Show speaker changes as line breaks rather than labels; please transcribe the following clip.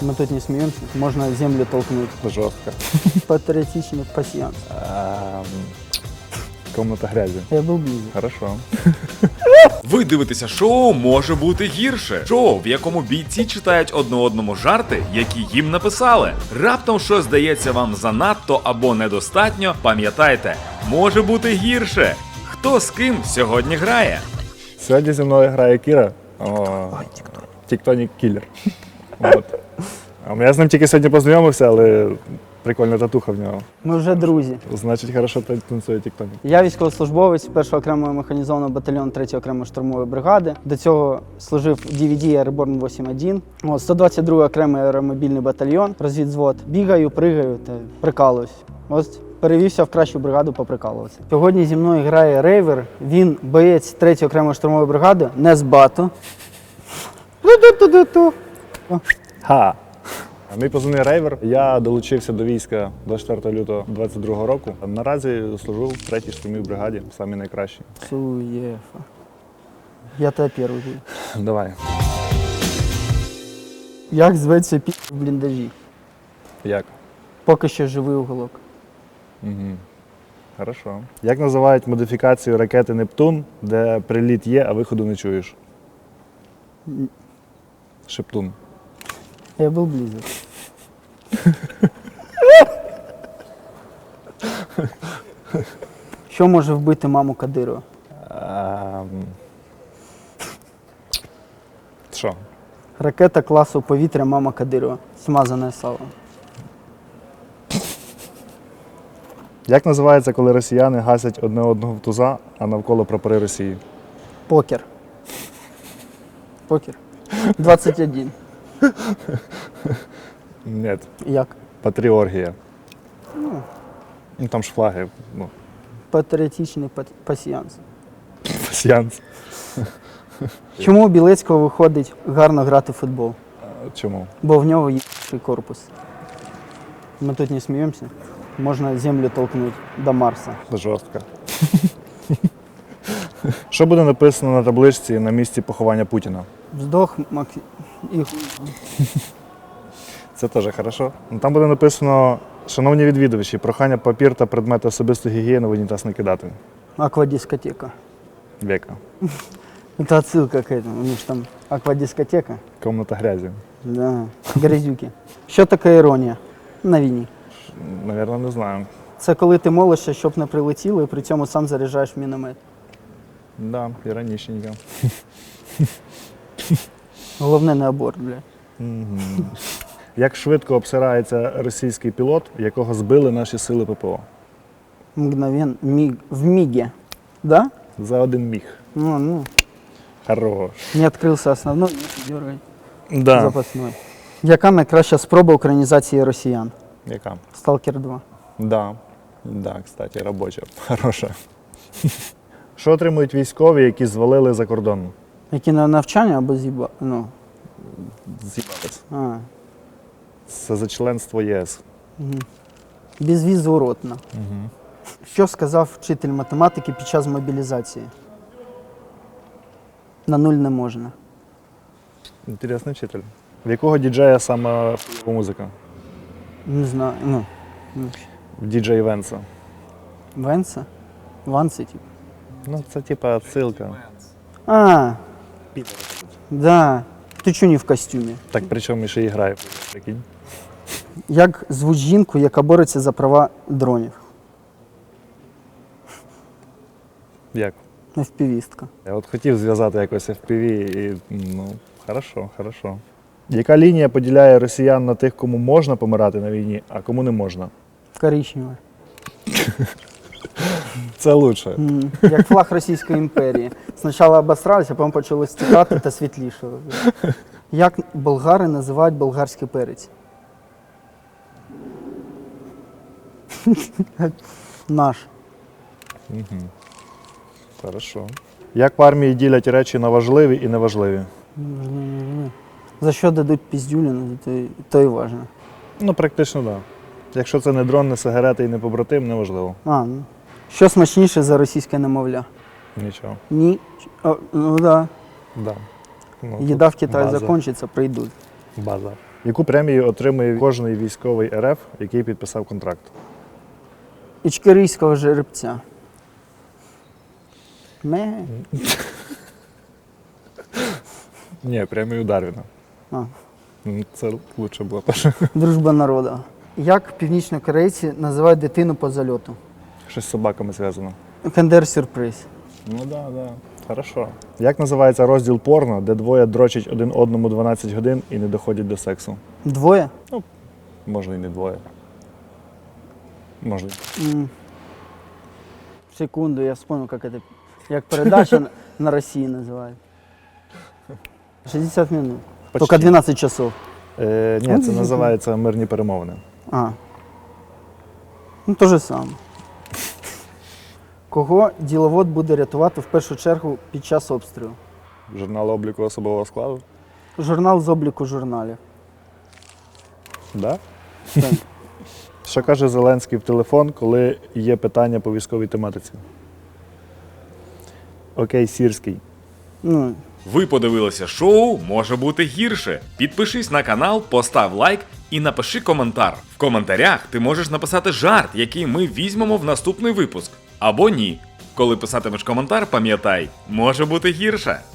Мы тут не смеемся. Можно землю толкнуть.
Жорстко.
Патриотичный пассианс.
Комната грязі.
Я был близок.
Хорошо.
Ви дивитеся шоу «Може бути гірше». Шоу, в якому бійці читають одне одному жарти, які їм написали. Раптом щось здається вам занадто або недостатньо, пам'ятайте, може бути гірше. Хто з ким сьогодні грає?
Сьогодні зі мною грає Кіра. Тіктонік Кілер. От. Я з ним тільки сьогодні познайомився, але прикольна татуха в нього.
Ми вже друзі.
Значить, хорошо танцює тіктонік.
Я військовослужбовець 1-го окремого механізованого батальйону 3-ї окремої штурмової бригади. До цього служив в DVD Airborne 8.1. 122-й окремий аеромобільний батальйон, розвідзвод. Бігаю, пригаю та прикалуюсь. Ось перевівся в кращу бригаду поприкалуватися. Сьогодні зі мною грає рейвер. Він боєць 3-ї окремої штурмової бригади, не з бату.
Ха! Мій позивний рейвер. Я долучився до війська 24 лютого 2022 року. Наразі служу в 3-й штурмовій бригаді, самі найкращі.
Суєфа. Я тебе перший.
Давай.
Як зветься пі в бліндажі?
Як?
Поки що живий уголок.
Угу. Хорошо. Як називають модифікацію ракети «Нептун», де приліт є, а виходу не чуєш? Шептун.
Я був близок. Що може вбити маму Кадирова?
Що?
Ракета класу повітря мама Кадирова. Смазане сало.
Як називається, коли росіяни гасять одне одного в туза, а навколо прапори Росії?
Покер. Покер. 21.
Ні.
Як?
Патріоргія. Ну, там ж флаги. Ну,
Патріотичний пасіянс.
пасіянс.
Чому у Білецького виходить гарно грати в футбол?
Чому?
Бо в нього є корпус. Ми тут не сміємося. Можна землю толкнути до Марса.
Жорстко. Що буде написано на табличці на місці поховання Путіна?
Вздох і
Це теж хорошо. Ну, там буде написано: шановні відвідувачі, прохання папір та предмети особистої гігієни в унітаз не кидати.
аквадискотека.
Века.
Это отсылка к этому, потому что там аквадискотека.
Комната грязі.
Да, грязюки. Що таке іронія на війні?
Навірно, не знаю.
Це коли ти молишся, щоб не прилетіло, і при цьому сам заряджаєш міномет.
Да, іронічненько.
Головне не аборт, бля.
Як швидко обсирається російський пілот, якого збили наші сили ППО?
Мгновенно, в миге. Да?
За один міг.
Ну,
Хорош.
не відкрився основной, дергай.
Да.
Запасной. Яка найкраща спроба українізації росіян?
Яка?
Сталкер 2.
Да. Да, кстати, робоча. Хороша. Що отримують військові, які звалили за кордон?
Які на навчання або з'їба... Ну.
З'їбались.
А.
Це за членство ЄС.
Безвізворотно. Що сказав вчитель математики під час мобілізації? На нуль не можна.
Інтересний вчитель. В якого діджея саме музика?
Не знаю. Ну.
В діджей Венса.
Венса? Ванси, типу.
Ну, це типа отсилка.
А, да. Ти чого не в костюмі?
Так причому ще і грає. Прикинь.
Як звуть жінку, яка бореться за права дронів?
Як?
FPV-стка.
Я от хотів зв'язати якось FPV і, ну, хорошо, хорошо. Яка лінія поділяє росіян на тих, кому можна помирати на війні, а кому не можна?
Коричнева.
Це лучше.
Як флаг Російської імперії. Спочатку обосралися, а потім почали стікати та світлішого. Як болгари називають болгарський перець? Наш.
Хорошо. Як в армії ділять речі на важливі і неважливі?
За що дадуть піздюліну, то і важливо.
Ну, практично, так. Да. Якщо це не дрон, не сигарети і не побратим, неважливо.
Ну. Що смачніше за російське немовля?
Нічого.
Ні. Ну да.
Да. Ну,
Їда в Китаї
база.
закінчиться, прийдуть.
База. Яку премію отримує кожний військовий РФ, який підписав контракт?
Ічкерійського жеребця.
Ні, премію Дарвіна.
А,
Це лучше було перше.
дружба народу. Як північнокорейці називають дитину по зальоту?
Щось з собаками зв'язано.
Кендер-сюрприз.
Ну да. Хорошо. Як називається розділ порно, де двоє дрочать один одному 12 годин і не доходять до сексу?
Двоє?
Можна і не двоє. Можна.
Секунду, я вспомнил, як передача на Росії називають. 60 минут.
Почти.
Только 12 часов.
Ні, це називається мирні перемовини.
А. Ну, то же саме. Кого діловод буде рятувати в першу чергу під час обстрілу?
Журнал обліку особового складу?
Журнал з обліку журналів.
Да?
Так.
Що каже Зеленський в телефон, коли є питання по військовій тематиці? Окей, Сірський.
Ну,
Ви подивилися шоу «Може бути гірше». Підпишись на канал, постав лайк і напиши коментар. В коментарях ти можеш написати жарт, який ми візьмемо в наступний випуск. Або ні. Коли писатимеш коментар, пам'ятай, може бути гірше.